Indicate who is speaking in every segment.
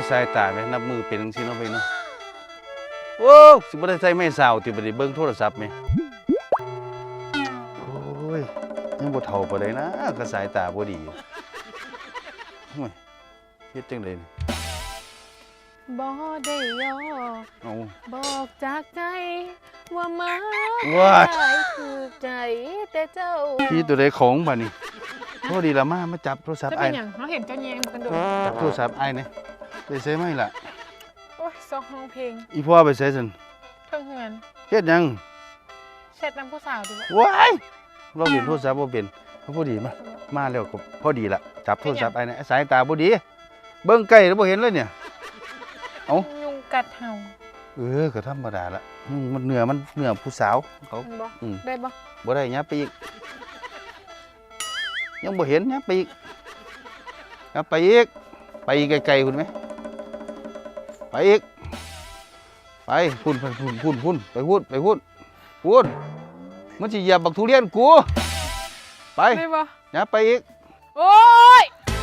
Speaker 1: สายตาไหมนับมือเป็นจังซี่เนาะไปเนาะโอ้สิบ่ได้ใส่ไม้สาวติบ่ได้เบิ่งโทรศัพท์แม่โอ้ยยังบ่เฒ่าปานใดนะก็สายตาบ่ดีโอ้ยเฮ็ดจังได๋
Speaker 2: บ่ได้ยอ
Speaker 1: เอา
Speaker 2: บอกจากใจว่ามา
Speaker 1: ว้าย
Speaker 2: คือใจแต่เจ้า
Speaker 1: พี่ตัวใดของบัดนี้พอดีละมาจับโทรศัพ
Speaker 2: จะ
Speaker 1: ท์
Speaker 2: เป็
Speaker 1: อ้าน ย
Speaker 2: อย่างเราเห็นเจ้าแยงกันโดน
Speaker 1: จับโทรศัพท์อ้ายนี่ไปใส่ไหมล่ะ
Speaker 2: โอ้ยซอกห้องเพลง
Speaker 1: อีพ่อไปใส่ซั่น
Speaker 2: เพิ่งเงิน
Speaker 1: เฮ็ดหยัง
Speaker 2: เช็ดน้ำผู้สาวดู
Speaker 1: ว้ายเราเห็นโทรศัพท์บ่เป็นพอดีมาแล้วก็พอดีละจับโทรศัพท์อ้ายนี่สายตาบ่ดีเบิ่งใกล้แล้วบ่เห็นเลยเนี่ยเอ้า
Speaker 2: ยุงกัดเห่า
Speaker 1: ก็ธรรมดาละมันเนื้อผู้สาวเขา
Speaker 2: มันบ่ได้บ่
Speaker 1: บ่ได้ยับไปอีกยังบ่เห็นยับไปอีกยับไปอีกไปอีกไกลๆคุณไหมไปอีกไปพุ่นไปพุ่นมันสิเหยียบบักทุเรียนกูไป
Speaker 2: ได้บ่
Speaker 1: ยับไปอีก
Speaker 2: โอ้ย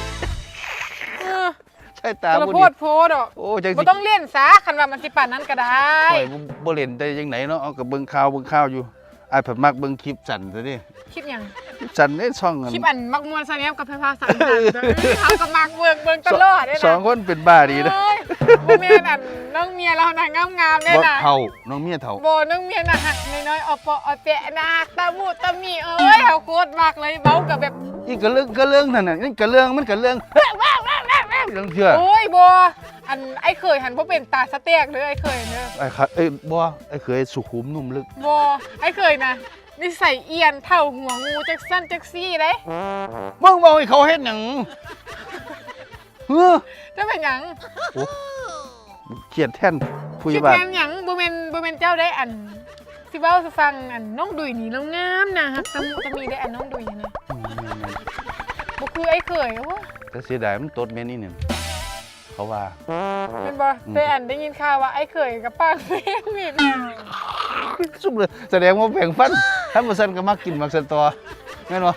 Speaker 1: ใช่ตา
Speaker 2: จะ
Speaker 1: บ่
Speaker 2: โพ
Speaker 1: ดี
Speaker 2: ดโพดอ่ะ
Speaker 1: โอ้จัง
Speaker 2: บ่
Speaker 1: สิ
Speaker 2: ต้องเล่นซะคันว่ามันสิป่านนั้นก็ได้
Speaker 1: โอ้ยบ่เล่นได้จังไหนเนาะเอากับเบิ่งข่าวอยู่อ้ายเพิ่นมักเบิ่งคลิปสั่นซะดิ
Speaker 2: คลิปหยัง
Speaker 1: คลิปสั่นเด้ช่องกัน
Speaker 2: คลิปอันมักมวนซะแนมกับไฟฟ้าสั่นๆเขาก็มักเบิ่งตลอดเด้นะ
Speaker 1: สองคนเป็นบ้าดีนะ
Speaker 2: เอ้ยบ่แม่นอันน้องเมียเราน่ะงามๆเด้
Speaker 1: บ่
Speaker 2: น่ะ
Speaker 1: เฒ่าน้องเมียเฒ่า
Speaker 2: บ่น้องเมียน่ะหักน้อยๆออปอแปะน่ะหักตะมูตะมีเอ้ยเฮาโคตรมักเลยเว้ากับแบบ
Speaker 1: อีกกะเรื่องนั่นน่ะนี่กะเรื่องมันกะเรื่องเรื่องเชื่อ
Speaker 2: โอ้ยบ่อันไอ้เคยหันบ่เป็นตาสะแตกเลยไอ้เคยเด้อ
Speaker 1: ไอ้ครับบ่ไอ้เคยสุขุมนุ่มลึก
Speaker 2: บ่ไอ้เคยน่ะนิสัยเอียนเท่าหัวงูจักสั้นจักซี่เด้
Speaker 1: มึงบอกให้เขาเฮ็ดหยังเฮ้อ
Speaker 2: จะเป็นหยัง
Speaker 1: โอ้เขียดแท่นผู้ให
Speaker 2: คิ
Speaker 1: ญ่
Speaker 2: ด
Speaker 1: บ้าน
Speaker 2: แทนหยังบ่แม่นเจ้าได้อันสิเว้าสิฟังอันน้องดุยนี่แล้วงามนะฮักตะมูตะมีได้อันน้องดุยนะบ่คือไอ้เคยโอ้
Speaker 1: แต่เสียดายมันตดแม่นี่เนี่ยเขาว่า
Speaker 2: เป็นบ่แต่อันได้ยินข่าวว่าไอ้เคยกับป้าเม่นนี่
Speaker 1: สุกเลยแสดงว่าแบ่งฟันถ้าบ่ซั่นก็มักกินมักสันตอแม่นบ่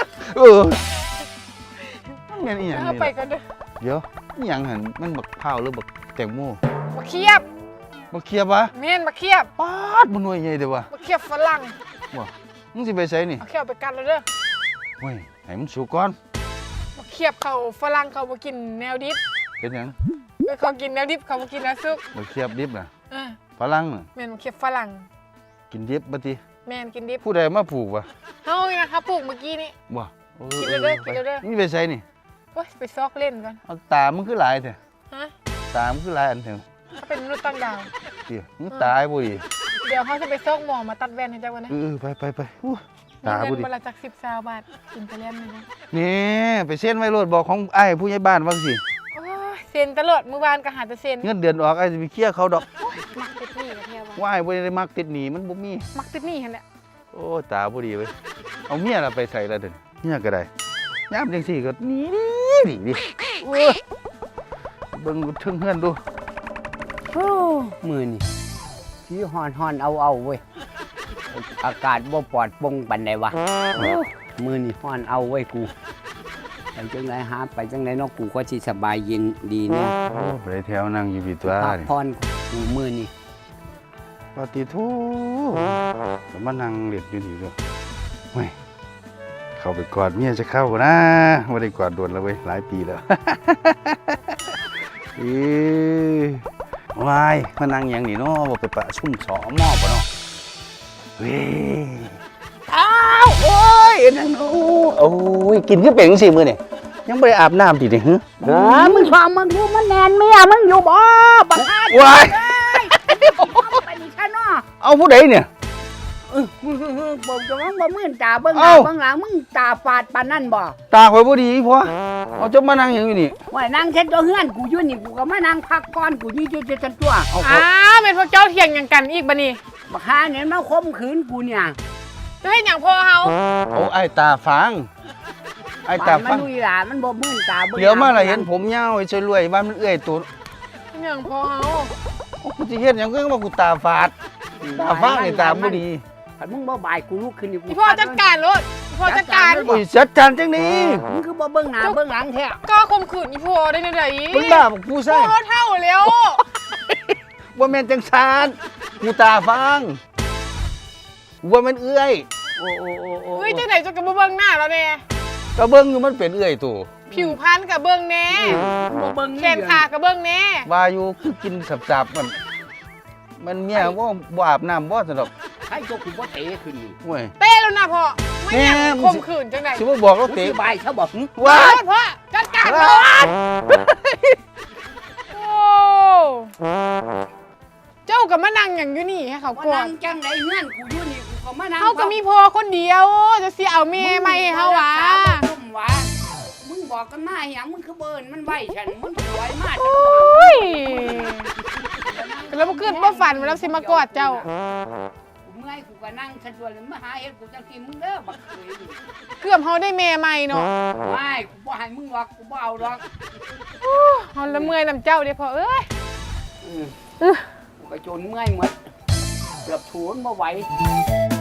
Speaker 1: แม่นอีหยัง
Speaker 2: เอา
Speaker 1: นี่
Speaker 2: ไปกันเด้อ
Speaker 1: เดี๋ยวอีหยังหั่นมันบักพร้าวหรือบักแตงโม
Speaker 2: บักเขียบ
Speaker 1: บักเขียบวะ
Speaker 2: แม่นบักเขียบ
Speaker 1: ปาดมันหน่วยใหญ่เด้อวะ
Speaker 2: บักเขียบฝรั่ง
Speaker 1: ว่ามึงสิไปไสนี่
Speaker 2: เอาเขียบไปกันแล้วเด้อ
Speaker 1: เฮ้ยให้มันสุกก่อน
Speaker 2: บักเขียบเขาฝรั่งเขาบ่กินแนวดิบ
Speaker 1: เป็นหยัง
Speaker 2: เขากินแนวดิบเขาบ่กินแนวซุป
Speaker 1: บักเขียบดิบน่ะ
Speaker 2: เออ
Speaker 1: ฝรั่งน่ะ
Speaker 2: แม่นบักเขียบฝรั่ง
Speaker 1: กินดิบบ่ติ
Speaker 2: แม่นกินดิบ
Speaker 1: ผู้ใดมาปลูกวะ
Speaker 2: เฮานี่นะครับปลูกเมื่อกี้นี่
Speaker 1: บ่
Speaker 2: กินเด้อกินเด้อ
Speaker 1: นี่ไปไสนี่
Speaker 2: โอ้ยไปซอกเล่นกัน
Speaker 1: เอาตามันคือหลายแท้
Speaker 2: ฮะ
Speaker 1: ตามันคือหลายอันแท้
Speaker 2: ถ้าเป็นมนุษย์ต่างดาว
Speaker 1: เดี๋ยวมึงตายบ่ดิ
Speaker 2: เดี๋ยวเขาจะไปซอกหมอมาตัดแว่นให้เจ้ากันนะ
Speaker 1: ไปอู้
Speaker 2: มี
Speaker 1: ตา
Speaker 2: เงิ
Speaker 1: บ่
Speaker 2: น
Speaker 1: ดิ
Speaker 2: วันละจัก10-20 บาทกินไปเล่นเลยนะ
Speaker 1: นี่ไปเซ็นไว้โลดบอกของอ้ายผู้ใหญ่บ้านว่าสิ
Speaker 2: โอ้ยเซ็นตลอดเมื่อวานก็หาแต่เซ็น
Speaker 1: เงินเดือนออกอ้ายสิไปเคลียร์เขาดอก
Speaker 2: มักติดหนี้กับเที่ยวว่า
Speaker 1: ว่าอ้ายบ่ได้มักติดหนี้มันบ่มี
Speaker 2: มักติดหนี้หั่นแหละ
Speaker 1: โอ้ตาบ่ดีเว้ยเอาเมียล่ะไปใส่ละเด้อเมียก็ได้ยามจังซี่ก็หนีดิโอ้ยเบิ่งถึงเฮือนดู
Speaker 3: โอ้มือนี่ที่ฮอนเอาเว้ยอากาศบ่ปลอดโปร่งปานใดวะมือนี่ฮอนเอาเว้ยกูไปจังไรหาไปจังไรเนาะกูก็สิสบายเย็นดีเนี่ย
Speaker 1: โอ้ไปแถวนั่งอยู่พี่ตัว
Speaker 3: พัก
Speaker 1: นี่
Speaker 3: ผ่อนกูมือนี่
Speaker 1: ปฏิโทก็มานั่งเล่นอยู่นี่ด้วยเฮ้ยเข้าไปกอดเมียจะเข้ากันนะไม่ได้กอดโดนแล้วเว้ยหลายปีแล้ว วายมานั่งอย่างนี้เนาะบ่ไปประชุมสอมอบ่เนาะเว้ยอ้าวโอ้ยนั่นโอ้ยกินคือเป็นจังซี่มื้อนี่ยังบ่ได้อาบน้ำติเนี่ยฮึ
Speaker 3: มึงฟังมึงดูมันแนนเมียมึงอยู่บ่บักฮา
Speaker 1: ว้าย
Speaker 3: ไปนี่ฉันเนาะ
Speaker 1: เอาผู้ใดเนี่ย
Speaker 3: บอกจะว่าบ่มื่นตาเบิ่งห
Speaker 1: เอ้า
Speaker 3: น้าเบิ่งหลังมึงตาฝาดปานนั่นบ่
Speaker 1: ตาข่อยบ่ดีพ่อเอาจะมานั่งหยังอยู่นี่
Speaker 3: ว่านั่งเช็ดตัวเฮือนกูอยู่นี่กูก็มานั่งพักผ่อนกูอยู่เจ็ดตัว
Speaker 1: เอา
Speaker 2: อ้าวเป็นพวกเจ้าเถียงหยังกันอีกบัดนี้
Speaker 3: บักฮาเนี่ยมาข่มขืนกูเนี่ย
Speaker 2: จะให้หยังพ่อเฮา
Speaker 1: เอาไอ้ตาฟางไอ้ตา
Speaker 3: มั
Speaker 1: ฟาน ง
Speaker 3: ลุยหลามันบ่มื่นตาเบิ่ง
Speaker 1: เดี๋ยวมาล่ะเห็นผมยาวไอ้ช่วยรวยบ้านมันเอื้อยตัว
Speaker 2: หยังพ่อเฮา
Speaker 1: กูสิเฮ็ดหยังก็ว่ากูตาฝาดตาฟางนี่ตาบ่ดี
Speaker 3: ถ้ามึงบ่บ่ายกูลุกขึ้นนี่กู
Speaker 2: พี่พ่อจัดการรถพอจัดการ
Speaker 1: โอ้ยจัดการจังนี้
Speaker 3: มึงคือบ่เบิ่งหน้าเบิ่งหลังแท้
Speaker 2: ก็ข่มขืนอีพอได้ในไหน
Speaker 1: มึงบ้าบอกผู้
Speaker 2: พ่
Speaker 1: ใส่
Speaker 2: อเท่าแล้ว
Speaker 1: ว่าแม่นจังซานกูตาฟังว่าแม่นเอื้อย
Speaker 3: โอ้โอ้โอ้โอ้
Speaker 2: เฮ้ยจังไหนจะกระเบื้องหน้าแล้วเนี่ย
Speaker 1: ก็เบิ่งอยู่มันเป็นเอื้อยตัว
Speaker 2: ผิวพรรณกับเบื้องแน่
Speaker 3: บ่เบิ่ง
Speaker 2: แขนขากับเบื้องแน่
Speaker 1: ว่าอยู่คือกินสับๆมันเมียว่าบ่อาบน้ำบ่สนดอก
Speaker 3: ให้ตัวกูบ่เตะขึ้นนี่
Speaker 1: โอ้ย
Speaker 2: เต้แล้วนะพ่อไม่อยาก
Speaker 1: แม่มึง
Speaker 2: ข่มขืนจังไหน
Speaker 1: สิบ่บอกเรา
Speaker 3: กู
Speaker 1: เตะ
Speaker 3: สิบายซะบ่
Speaker 1: ว่า
Speaker 2: พ่อจัดการก่อนโอ้เจ้ากับมานั่งอย่างอยู่นี่ให้เขา
Speaker 3: ว่าก
Speaker 2: ลัว
Speaker 3: นั่งจังไดเฮือนกูอยู่นี่กูก็มานั่ง
Speaker 2: เขาก็มีพ่อคนเดียวจะเสียเอาเมียไม่ให้เขาวะ
Speaker 3: ซุ่มวะมึงบอกกันมาหยังมึงคือเบิ่นมันไหวฉันมันสวยมาก
Speaker 2: โอ้ยแล้วเมื่อคืนบ่ฝันมาแล้วสิมากอดเจ้า
Speaker 3: กูเมื่อยกูก็นั่งสะดวกเลยมาหาเฮ็ดกูจังซี่มึงเด้อบักเคยนี่
Speaker 2: เกือบเขาได้เมียใหม่เนาะ
Speaker 3: ไม่กูบ่ให้มึงหรอกกูบ่เอาหรอก
Speaker 2: เขาละเมื่อยนำเจ้าเดี๋ยวพอเอ้ย
Speaker 3: กูก็จนเมื่อยหมดเกือบถูนบ่ไหว